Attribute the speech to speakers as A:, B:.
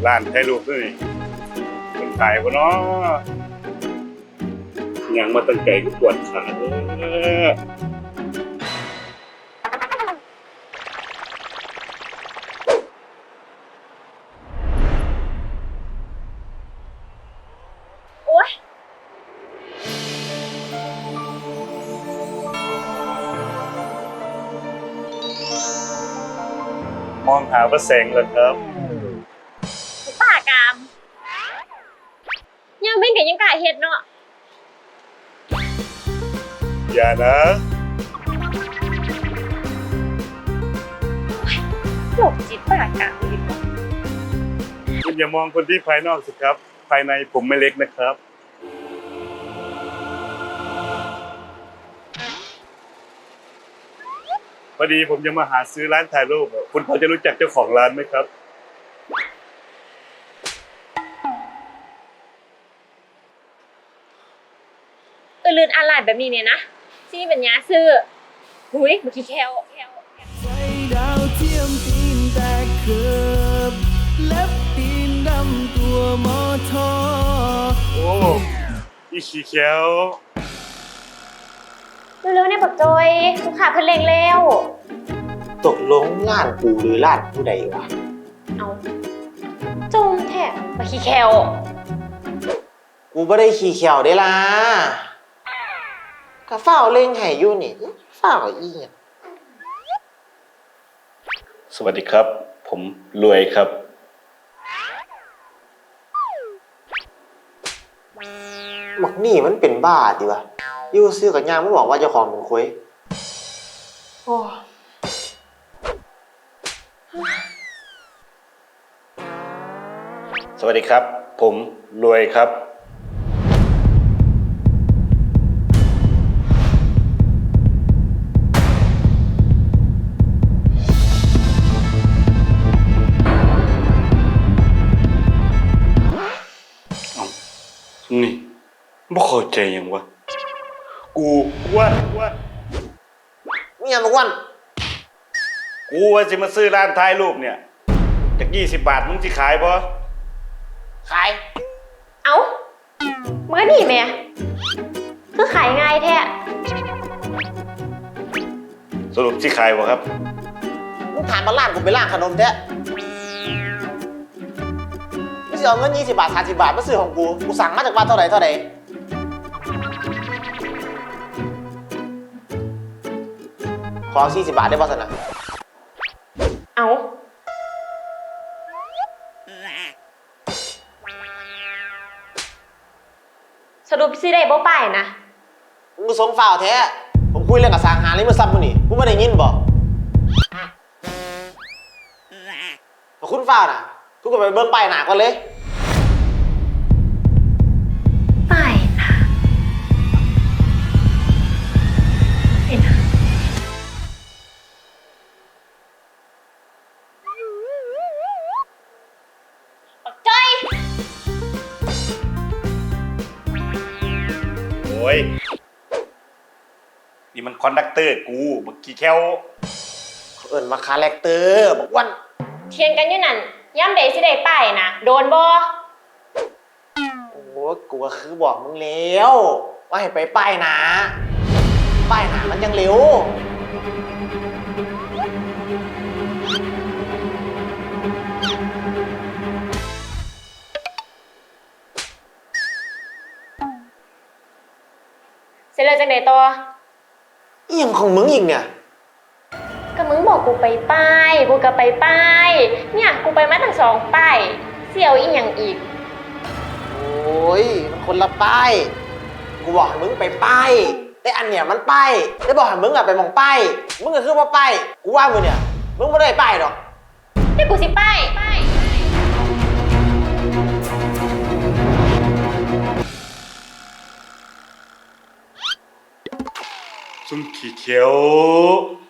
A: ร้านถ่ายรูปนี่คนขายบ่เนาะยังมาตั้งใจก็ปวดขาเด้อ
B: โอ๊ย
A: มองหาพระแสงเหรอครับ
B: ป้ากามยังเป็นกับยังกล้าเฮ็ดเนาะ
A: อย่านะ
B: โรคจิตป้ากามดีกว่า
A: คุณอย่ามองคนที่ภายนอกสิครับ ภายในผมไม่เล็กนะครับ พอดีผมจะมาหาซื้อร้านถ่ายรูปคุณพอจะรู้จักเจ้าของร้านไหมครับ
B: ลื่นอะไรแบบนี้เนี่ยนะที่เป็นยาซื้อหุยบางทีแคว
C: ใส่ดาวเทียมตีนแตกเกือบเล็บตีนดำตัวมอทอ
A: โอ้อีขี้เขียว
B: เร็วๆเนี่ยบักจอยลูกค้าเพิ่นเร่งแล้ว
D: ตกลงล้านกูหรือล้านผู้ใดวะ
B: เอาจุ่มแท้บางทีแคว
D: กูไม่ได้ขี่เขียวได้ล่ะก็เฝ้าเล่งให้อยู่นี่เฝ้าอีหยัง
A: สวัสดีครับ ผมรวยครับ
D: หมักนี่มันเป็นบ้าดิวะอยู่ซื้อกับยางไม่บอกว่าเจ้าของเป็นคุยโอ้
A: สวัสดีครับ ผมรวยครับ นี่บ่เข้าใจยังวะกูว่า
D: มีอย่างทุกวัน
A: กูว่าจะมาซื้อร้านถ่ายรูปเนี่ยจาก20 บาทมึงสิขายบ่
D: ขาย
B: เอาเมื่อนี่แม่คือขายง่ายแท้
A: สรุปสิขายบ่ครับ
D: มึงถามมาล้านกูไปล้างขนมแท้ไม่ใช่เอาเงิน20 บาท30 บาทมาซื้อของกูสั่งมาจากบ้านเท่าไหร่ขอ40 บาทได้ป่ะสนะ
B: เอาสรุปสิได้บ่ป้ายนะ
D: มึงก็สงฝ่าวแท้ผมคุยเรื่องกับสางหาเลยเมื่อซ้ำมึงนี่กูไม่ได้ยินบ่แต่คุณฝ่าวน่ะคุณก็ไปเบิ่งป้ายหนาก่อนเลย
B: ป้ายนะเห็นนะบักจ้อย
A: โอ้ยนี่มันคอนดักเตอร์กูเมื่อกี้แค่ว
D: เขาเอิ้นมาคาแรคเตอร์บอกวัน
B: เทียงกันอยู่นั่นย่ำเดสิได้ป้ายนะโดนบ่
D: โอ้ยกูก็คือบอกมึงแล้วว่าให้ไปป้ายหนาป้ายหนามันยังเร็ว
B: เสร็จแล้วจังไดต่อ
D: เอี่ยงของมึงอีกเนี่ย
B: ก็มึงบอกกูไปป้ายกูก็ไปป้ายเนี่ยกูไปมาตั้ง2ป้ายเสี่ยวอีหยังอีก
D: โอ้ยมันคนละป้ายกูบอกให้มึงไปป้ายแต่อันเนี่ยมันป้ายได้บอกให้มึงอะไปมองป้ายมึงก็คือว่าป้ายกูว่ามึงเนี่ยมึงไม่ได้ป้ายหรอก
B: เดี๋ยวกูสิป้าย
A: ซุ่มขี้เขียว